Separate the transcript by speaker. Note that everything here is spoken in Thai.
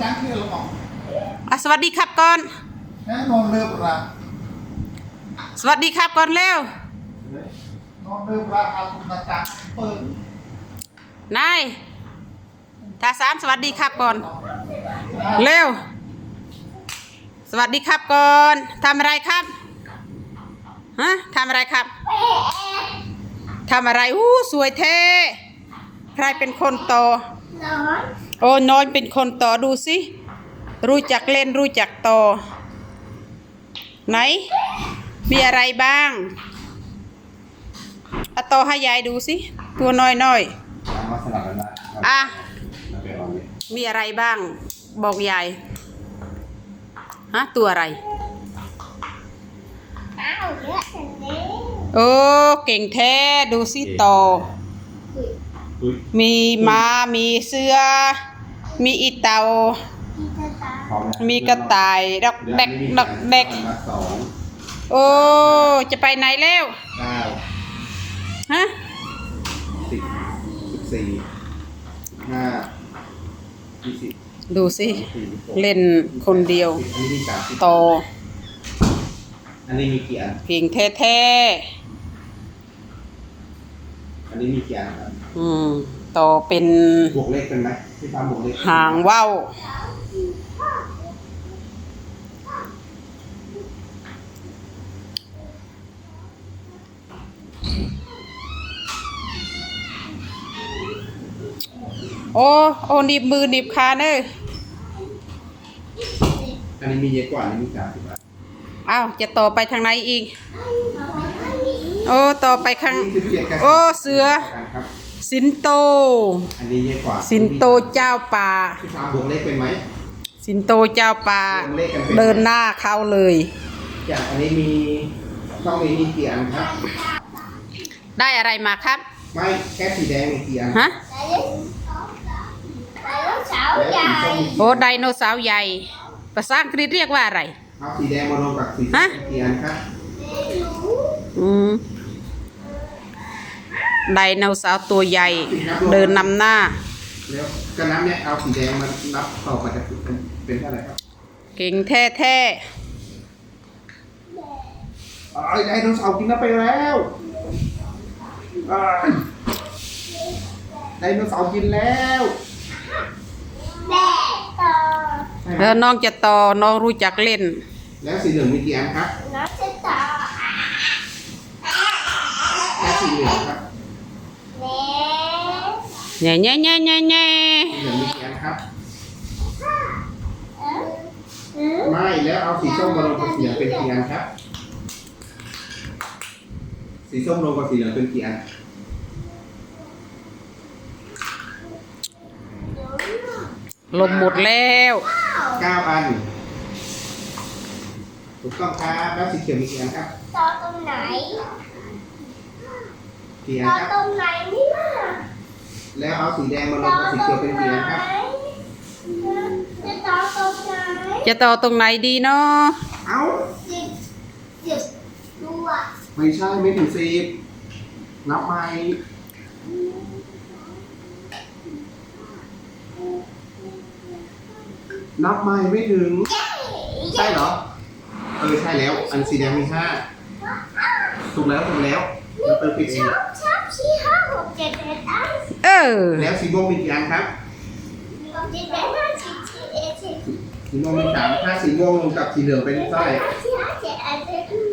Speaker 1: ตั้งที่เราบอก
Speaker 2: สวัสดีครับก่อน
Speaker 1: แน่นอนเลิกละ
Speaker 2: สวัสดีครับก่อนเร็วน
Speaker 1: อนเลิกละเอาตุ๊กตาเปิด
Speaker 2: นายทาสามสวัสดีครับก่อนเร็วสวัสดีครับก่อนทำอะไรครับฮะทำอะไรครับทำอะไรสวยเท่ใครเป็นคนโตโอ้น้อยเป็นคนโตดูสิรู้จักเล่นรู้จักโตไหนมีอะไรบ้างเอาโตให้ยายดูสิตัวน้อยอ่ะมีอะไรบ้างบอกยายฮะตัวอะไรโอ้เก่งแท้ดูสิโตมีม้ามีเสือมีอีเต่ามีกระต่ายดอกเด็กดอกเด็กโอ้จะไปไหนแล้วฮะ
Speaker 1: 14 15 20
Speaker 2: ดูสิเล่นคนเดียวโต
Speaker 1: อันนี้มีกี่อัน
Speaker 2: เก่งแท้
Speaker 1: อันนี้มีกี่อันครับ
Speaker 2: โตเป็น
Speaker 1: บวกเลขเป็นไหมที่ทำบวกเลข
Speaker 2: หางว่าวโอ้หนีบมือหนีบขาเนอะ
Speaker 1: อันนี้มีเยอะกว่าอันนี้มี30 อัน
Speaker 2: อ้าวจะต่อไปทางไหนอีกโอ้ต่อไปข้างโอ้เสือสิงโต
Speaker 1: อันนี้เยอะกว่า
Speaker 2: สิงโตเจ้าป่า
Speaker 1: ที่ทำบวกเลขเป็นไหม
Speaker 2: สิงโตเจ้าป่าเดินหน้าเข้าเลย
Speaker 1: อย่างอันนี้มีต้องมีกี่อันครับ
Speaker 2: ได้อะไรมาครับ
Speaker 1: ไม่แค่สีแดงมีกี่อัน
Speaker 2: ฮะโอ้ไดโนเสาร์ใหญ่ภาษาอังกฤษเรียกว่าอะไร
Speaker 1: เอาสีแดงมารวมกับสีส้มกี่อันครับ
Speaker 2: ไดโนเสาร์ตัวใหญ่เดินนำหน้า
Speaker 1: แล้วกระน้ำเนี่ยเอาสีแดงมานับต่อมาจะเป็นเท่าไหร่ครับ
Speaker 2: เก่งแท้
Speaker 1: ไดโนเสาร์กินน้ำไปแล้วไดโนเสาร์กินแล้ว
Speaker 2: น้องจะต่อน้องรู้จักเล่น
Speaker 1: แล้วสีเหลืองมีกี่อันครับน้องจะต่อแล้วสีเหลืองครับ
Speaker 2: แง่สีเหลืองมี
Speaker 1: กี่อันครับไม่แล้วเอาสีส้มมาลงกับสีเหลืองเป็นกี่อันครับสีส้มลงกับสีเหลืองเป็นกี่อัน
Speaker 2: ลมหมดแล้ว
Speaker 1: 9 อันถูกต้องครับแล้วสีเขียวมีกี่อันครับ
Speaker 3: ต่อตรงไหน
Speaker 1: กี่อันครับ
Speaker 3: ต่อตรงไหนเนี่ย
Speaker 1: แล้วเอาสีแดงมาลงกับสีเขียวเป็นกี่อันครับ
Speaker 3: จะต่อตรงไหน
Speaker 2: จะต่อตรงไหนดีเนาะ
Speaker 1: เอา
Speaker 3: 10ตัว
Speaker 1: ไม่ใช่ไม่ถึง10นับใหม่นับใหม่ไม่ถึงใช่เหรอใช่แล้วอันสีแดงมี5ถูกแล้วแล้วเติมผิดเอง
Speaker 3: 4 5 6 7 8
Speaker 1: แล้วสีม่วงมีกี่อันครับ
Speaker 3: 9 10 11 12 13 14 15 16 17 18 19 20
Speaker 1: สีม่วงมี3ถ้าสีม่วงลงกับสีเหลืองเป็นเท่าไหร่
Speaker 3: 4 5 7 8 9